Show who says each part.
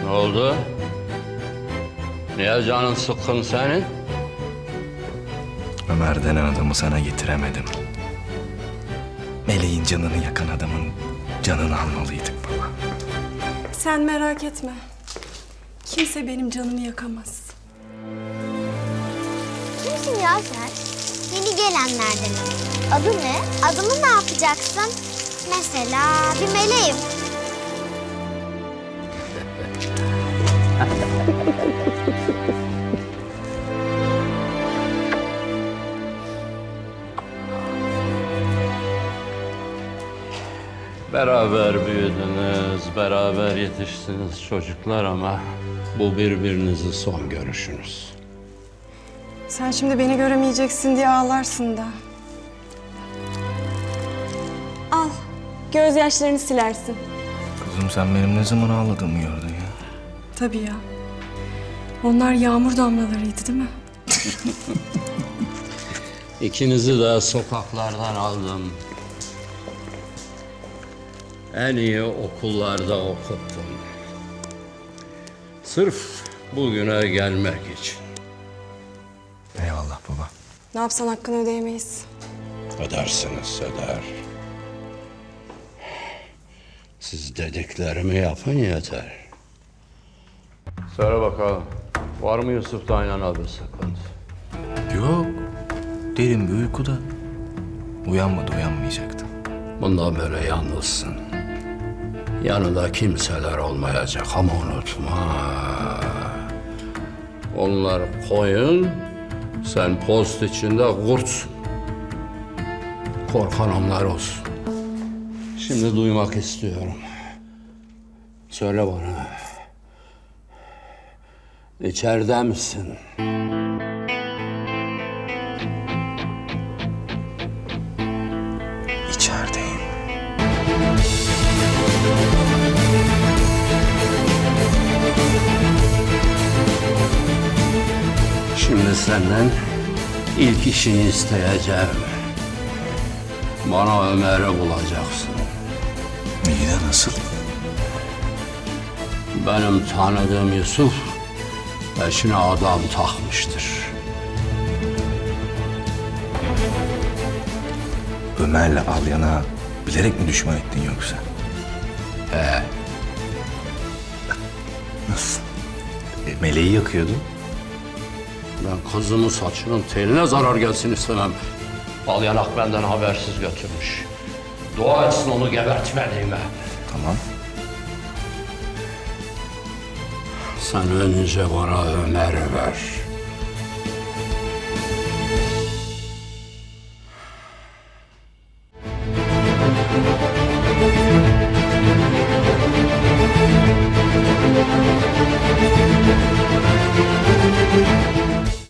Speaker 1: Ne oldu? Niye canın sıkkın senin?
Speaker 2: Ömer denen adamı sana getiremedim. Meleğin canını yakan adamın canını almalıydık baba.
Speaker 3: Sen merak etme. Kimse benim canımı yakamaz.
Speaker 4: Kimsin ya sen? Yeni gelenlerden. Adı ne? Adımı ne yapacaksın? Mesela bir meleğim.
Speaker 1: Beraber büyüdünüz, beraber yetiştiniz çocuklar ama bu birbirinizin son görüşünüz.
Speaker 3: Sen şimdi beni göremeyeceksin diye ağlarsın da. Al, gözyaşlarını silersin.
Speaker 2: Kızım sen benim ne zaman ağladığımı gördün ya.
Speaker 3: Tabii ya. Onlar yağmur damlalarıydı değil mi?
Speaker 1: İkinizi de sokaklardan aldım. En iyi okullarda okuttum. Sırf bugüne gelmek için.
Speaker 2: Eyvallah baba.
Speaker 3: Ne yapsan hakkını ödeyemeyiz.
Speaker 1: Ödersiniz, öder. Siz dediklerimi yapın yeter. Söyle bakalım, var mı Yusuf'ta aynen bir sıkıntı?
Speaker 2: Yok. Derin bir uykuda. Uyanmadı, uyanmayacaktı.
Speaker 1: Bundan böyle yalnızsın. Yanında kimseler olmayacak ama unutma. Onlar koyun, sen post içinde kurtsun. Korkan onlar olsun. Şimdi duymak istiyorum. Söyle bana. İçeride misin?
Speaker 2: İçerideyim.
Speaker 1: Şimdi senden ilk işini isteyeceğim. Bana Ömer'i bulacaksın.
Speaker 2: İyi de nasıl?
Speaker 1: Benim tanıdığım Yusuf peşine adam takmıştır.
Speaker 2: Ömer'le Alyan'a bilerek mi düşman ettin yoksa? Nasıl? Meleği yakıyordun.
Speaker 1: Ben kızımın saçının teline zarar gelsin istemem. Balyanak benden habersiz götürmüş. Dua etsin onu gebertmediğime.
Speaker 2: Tamam.
Speaker 1: Sen önce bana Ömer'i ver.